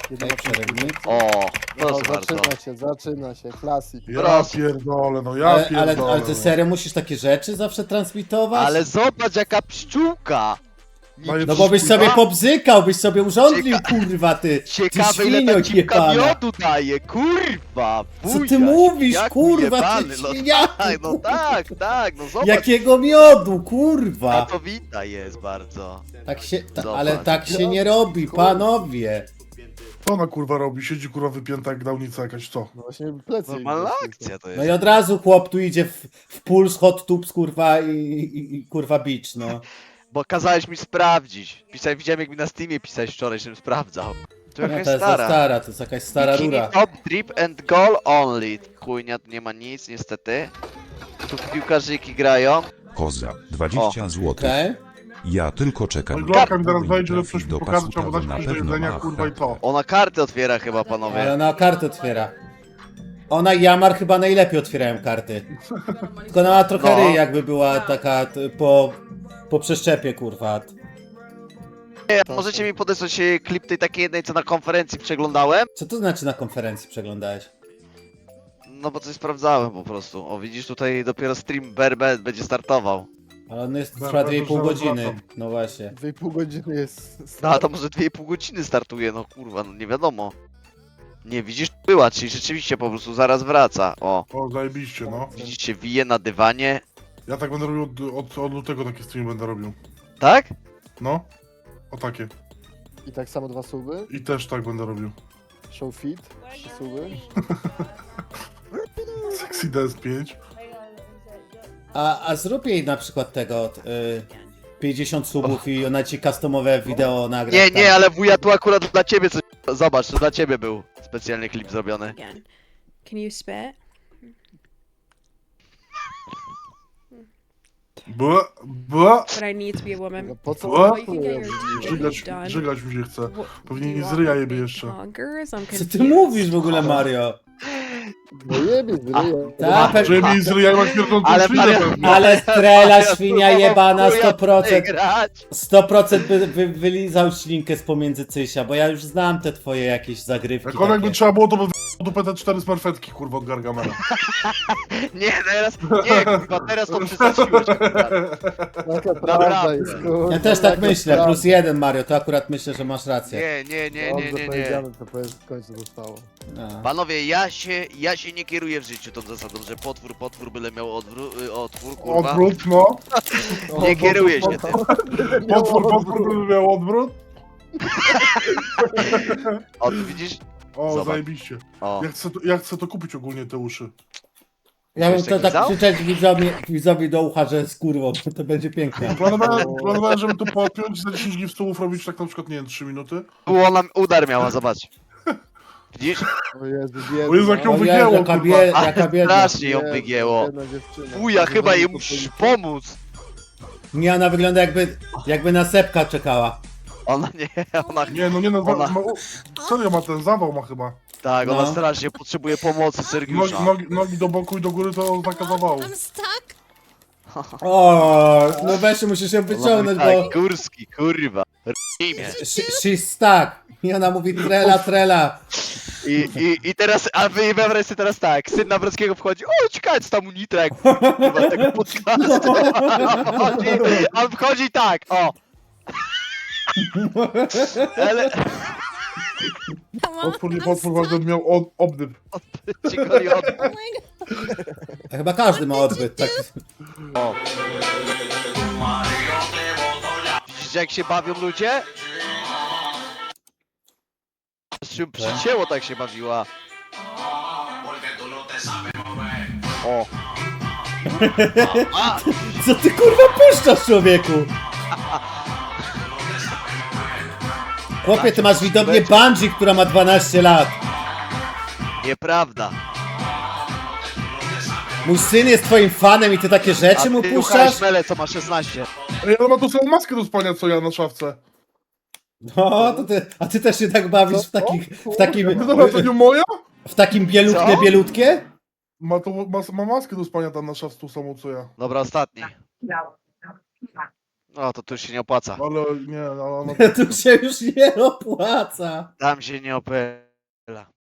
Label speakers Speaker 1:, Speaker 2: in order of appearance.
Speaker 1: Jedyna
Speaker 2: przerywnik.
Speaker 3: O,
Speaker 1: No,
Speaker 3: proszę bardzo.
Speaker 1: zaczyna się, klasik.
Speaker 4: Ja
Speaker 3: Proszę.
Speaker 4: pierdolę, no ja
Speaker 2: Ale
Speaker 4: pierdolę.
Speaker 2: ty
Speaker 4: no.
Speaker 2: serio musisz takie rzeczy zawsze transmitować?
Speaker 3: Ale zobacz jaka pszczółka!
Speaker 4: Daję
Speaker 2: No bo byś
Speaker 4: pszczółka.
Speaker 2: sobie pobzykał, byś sobie urządlił, kurwa, ty
Speaker 3: Ciekawe ile
Speaker 2: świnio
Speaker 3: ta cipka
Speaker 2: jebana.
Speaker 3: miodu daje, kurwa!
Speaker 2: Co ty
Speaker 3: buziaś,
Speaker 2: mówisz,
Speaker 3: jak
Speaker 2: kurwa,
Speaker 3: ujebany,
Speaker 2: ty
Speaker 3: no
Speaker 2: świniaku?
Speaker 3: tak, no tak, no zobacz.
Speaker 2: Jakiego miodu, kurwa?
Speaker 3: Pracowita jest bardzo.
Speaker 2: Tak się,
Speaker 3: Zobacz.
Speaker 2: ale tak się nie robi, panowie.
Speaker 4: Co ona kurwa robi? Siedzi kurwa wypięta jak dałnica jakaś, co?
Speaker 1: No właśnie plecy.
Speaker 3: Normalna akcja to jest.
Speaker 2: No i od razu chłop tu idzie w puls, hot tubes, kurwa, i kurwa beach, no.
Speaker 3: Bo kazałeś mi sprawdzić. Widziałem jak mi na Steamie pisałeś wczoraj, żebym sprawdzał. To
Speaker 2: No
Speaker 3: jakaś
Speaker 2: to jest za stara, to jest jakaś stara
Speaker 3: Bikini
Speaker 2: rura.
Speaker 3: top, drip and goal only. Chujnia, tu nie ma nic niestety. Tu piłkarzyki grają.
Speaker 5: Koza, 20 zł.
Speaker 2: Okej?
Speaker 5: Ja tylko czekam.
Speaker 4: No Glorka mi teraz
Speaker 5: Powinien
Speaker 4: wejdzie, że
Speaker 5: trafić
Speaker 4: coś mi
Speaker 5: do
Speaker 4: pokaże,
Speaker 5: pasu,
Speaker 4: trzeba
Speaker 5: to
Speaker 4: dać
Speaker 5: na
Speaker 4: coś do
Speaker 5: pewno
Speaker 4: jedzenia,
Speaker 5: ma
Speaker 4: kurwa i to.
Speaker 3: Ona karty otwiera chyba,
Speaker 2: Ale
Speaker 3: panowie.
Speaker 2: ona kartę otwiera. Ona i Jamar chyba najlepiej otwierają karty. Tylko ona ma trochę
Speaker 3: No.
Speaker 2: ryj, jakby była taka po przeszczepie, kurwa.
Speaker 3: Możecie mi podesłać klip tej takiej jednej, co na konferencji przeglądałem?
Speaker 2: Co to znaczy na konferencji przeglądałeś?
Speaker 3: No bo coś sprawdzałem po prostu. O, widzisz, tutaj dopiero stream Berbet będzie startował.
Speaker 2: Ale on jest,
Speaker 4: Dobra,
Speaker 2: trwa
Speaker 4: to
Speaker 2: 2,5
Speaker 4: zaraz
Speaker 2: godziny.
Speaker 4: wracam.
Speaker 2: No właśnie.
Speaker 1: 2,5 godziny jest.
Speaker 3: No a to może 2,5 godziny startuje, no kurwa, no nie wiadomo. Nie, widzisz, była, czyli rzeczywiście po prostu zaraz wraca. O,
Speaker 4: O, zajebiście, no.
Speaker 3: widzicie, wije na dywanie.
Speaker 4: Ja tak będę robił od lutego taki stream będę robił.
Speaker 3: Tak?
Speaker 4: No. O takie.
Speaker 1: I tak samo 2 suby.
Speaker 4: I też tak będę robił.
Speaker 1: Show fit. 3 suby.
Speaker 4: Sexy Dance 5.
Speaker 2: A zrób jej na przykład tego 50 subów i ona ci customowe wideo nagra.
Speaker 3: Nie,
Speaker 2: tam.
Speaker 3: nie, ale wuja tu akurat dla ciebie coś... Zobacz, to dla ciebie był specjalny klip zrobiony.
Speaker 6: Again. Can you spit?
Speaker 4: Bła, bła.
Speaker 6: But I need to be a woman.
Speaker 1: No po co?
Speaker 4: O!
Speaker 6: You can get your teeth done.
Speaker 4: Żygać mi się chce.
Speaker 6: What-
Speaker 4: Pewnie
Speaker 6: do you
Speaker 4: nie
Speaker 6: want
Speaker 4: zryja
Speaker 6: me to
Speaker 4: jebie
Speaker 6: make
Speaker 4: jeszcze.
Speaker 6: Honkers? I'm
Speaker 2: Co
Speaker 6: confused.
Speaker 2: ty mówisz w ogóle, Mario?
Speaker 1: No jebie, zryję.
Speaker 2: Ta,
Speaker 4: Że mi zryja i ma śmierdzącą
Speaker 3: Ale
Speaker 4: ślinę
Speaker 3: Maria-
Speaker 4: pewnie.
Speaker 2: ale strela świnia jebana
Speaker 3: Wuja tutaj
Speaker 2: 100%.
Speaker 3: grać.
Speaker 2: 100% wylizał ślinkę z pomiędzy cysia, bo ja już znam te twoje jakieś zagrywki.
Speaker 4: Jak ona jakby
Speaker 2: takie.
Speaker 4: trzeba było, to by dupę te 4 smerfetki, kurwa, od Gargamela.
Speaker 3: Nie, teraz, nie, kurwa, teraz to przesadziłeś. kurwa.
Speaker 1: Taka prawda jest, kurwa.
Speaker 2: Ja też tak
Speaker 1: taka
Speaker 2: myślę,
Speaker 1: prawda.
Speaker 2: +1 Mario, to akurat myślę, że masz rację.
Speaker 3: Nie.
Speaker 1: Dobrze powiedziane, to powiedz, w końcu zostało.
Speaker 2: A.
Speaker 3: Panowie, ja się nie kieruję w życiu tą zasadą, że potwór byle miał otwór, kurwa.
Speaker 4: Odwrót, no.
Speaker 3: Nie kieruję się tym.
Speaker 4: Potwór by miał odwrót.
Speaker 3: O, tu widzisz?
Speaker 4: O,
Speaker 3: Zobacz.
Speaker 4: zajebiście.
Speaker 3: O.
Speaker 4: Ja chcę to kupić ogólnie, te uszy.
Speaker 2: Ja bym
Speaker 3: Jeszcze
Speaker 2: to tak
Speaker 3: kizał?
Speaker 2: krzyczeć widzowi do ucha, że z kurwą, to będzie piękne.
Speaker 4: Planowałem, żeby to podpiąć, za 10 giftów robić tak na przykład, nie wiem, 3 minuty.
Speaker 3: Tu ona udar miała, zobacz. Widzisz?
Speaker 1: O Jezu, biedna.
Speaker 4: O Jezu, jak ją
Speaker 2: O Jezu,
Speaker 4: wygięło,
Speaker 2: jaka,
Speaker 4: kurwa.
Speaker 2: jaka biedna.
Speaker 3: Strasznie ją
Speaker 1: Jezu,
Speaker 3: wygięło.
Speaker 1: biedna dziewczyna.
Speaker 3: Fuja, chyba jej
Speaker 1: to
Speaker 3: musisz
Speaker 1: policja.
Speaker 3: pomóc.
Speaker 2: Nie, ona wygląda jakby na sepka czekała.
Speaker 3: Ona nie, ona...
Speaker 4: Nie, no nie, no,
Speaker 3: Ona-
Speaker 4: serio ma ten zawał ma chyba.
Speaker 3: Tak, ona
Speaker 2: No.
Speaker 3: strasznie potrzebuje pomocy Sergiusza.
Speaker 4: Nogi do boku i do góry to taka zawału.
Speaker 7: I'm stuck.
Speaker 2: O, no weź, musisz ją wyciągnąć, bo
Speaker 3: Tak, Górski, kurwa. Imię.
Speaker 2: she's stuck. I ona mówi trela.
Speaker 3: I teraz, a wy wyobraź sobie teraz tak, syn Nawrockiego wchodzi, o ciekawe co tam u Nitra, jak kurwa tego podcastu. A on wchodzi tak, o. Ale
Speaker 7: Come on.
Speaker 4: Potwór
Speaker 7: I'm
Speaker 4: bardzo miał obdyb.
Speaker 3: ci goli od...
Speaker 7: Oh my god.
Speaker 2: Chyba każdy ma odbyt, tak.
Speaker 3: Widzicie jak się bawią ludzie? Się przycięło tak się bawiła. O. A,
Speaker 2: Co ty kurwa puszczasz, człowieku? Chłopie, ty masz widownię Bungie, która ma 12 lat.
Speaker 3: nieprawda.
Speaker 2: Mój syn jest twoim fanem i ty takie
Speaker 3: A
Speaker 2: rzeczy mu
Speaker 3: ty
Speaker 2: puszczasz?
Speaker 3: ruchałeś Mele, co ma 16.
Speaker 4: Ej, ale ma tą samą maskę do spania, co ja na szafce.
Speaker 2: No, to ty, a ty też się tak bawisz
Speaker 4: No dobra, to nie moja?
Speaker 2: w takim
Speaker 3: Co?
Speaker 2: bielutkie?
Speaker 4: Ma maskę do spania tam na szafce, tą samą, co ja.
Speaker 3: Dobra, ostatni. No to tu się nie opłaca.
Speaker 4: Ale nie, no,
Speaker 2: Tu się już nie opłaca.
Speaker 3: Tam się nie opłaca.